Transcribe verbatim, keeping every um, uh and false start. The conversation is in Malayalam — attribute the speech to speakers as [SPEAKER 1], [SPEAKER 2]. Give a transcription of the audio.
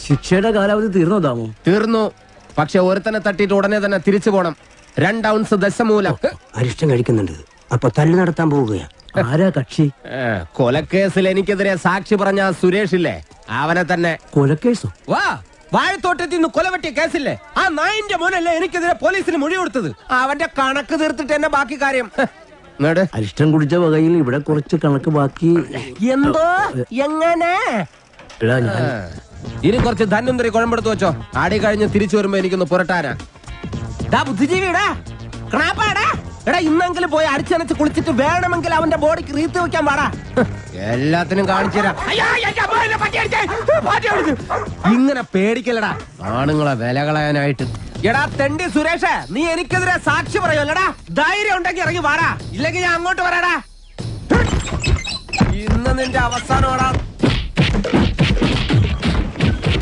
[SPEAKER 1] ശിക്ഷയുടെ കാലാവധി തീർന്നോ ദാമു?
[SPEAKER 2] തീർന്നു. പക്ഷെ ഒരുത്തനെ തട്ടിയിട്ട് ഉടനെ തന്നെ തിരിച്ചു പോണം. രണ്ട് ഔൺസ് ദശമൂലം.
[SPEAKER 3] അരിഷ്ടം കഴിക്കുന്നുണ്ട്. അപ്പൊ തല്ലു നടത്താൻ പോവുകയാ.
[SPEAKER 1] ആരാ കക്ഷി?
[SPEAKER 2] കൊലക്കേസിൽ എനിക്കെതിരെ സാക്ഷി പറഞ്ഞ സുരേഷ് ഇല്ലേ, അവനെ തന്നെ.
[SPEAKER 1] കൊലക്കേസോ?
[SPEAKER 2] വാ, വാഴത്തോട്ടത്തിൽ നിന്ന് കൊലവെട്ടിയ കേസില്ലേ, ആ നായിന്റെ മോനല്ലേ എനിക്കെതിരെ പോലീസിന് മൊഴി കൊടുത്തത്. അവന്റെ കണക്ക് തീർത്തിട്ട് എന്നെ ബാക്കി കാര്യം.
[SPEAKER 1] അരിഷ്ടം കുടിച്ച വകയിൽ ഇവിടെ കുറച്ച് കണക്ക് ബാക്കി.
[SPEAKER 2] എന്തോ എങ്ങനെ? ഇനി കുറച്ച് ധന്വന്തരി കുഴമ്പെടുത്ത് വെച്ചോ. ആടി കഴിഞ്ഞ് തിരിച്ചു വരുമ്പോ എനിക്കൊന്ന് പുരട്ടാനാ. ബുദ്ധിജീവിടാ ക്രാപ്പാടാ. എടാ, ഇന്നെങ്കിലും പോയി അടിച്ചനച്ച് കുളിച്ചിട്ട് വേണമെങ്കിൽ അവന്റെ ബോഡിക്ക് റീത്ത് വെക്കാൻ പാടാ. എല്ലാത്തിനും കാണിച്ചു തരാം. ഇങ്ങനെ പേടിക്കലടാ ആണുങ്ങളെ വില കളയാനായിട്ട്. എടാ തെണ്ടി സുരേഷ്, നീ എനിക്കെതിരെ സാക്ഷി പറയുമല്ലടാ. ധൈര്യം ഉണ്ടെങ്കിൽ ഇറങ്ങി വാടാ, ഇല്ലെങ്കിൽ ഞാൻ അങ്ങോട്ട് വരാടാ. ഇന്ന് നിന്റെ അവസാനമാടാ.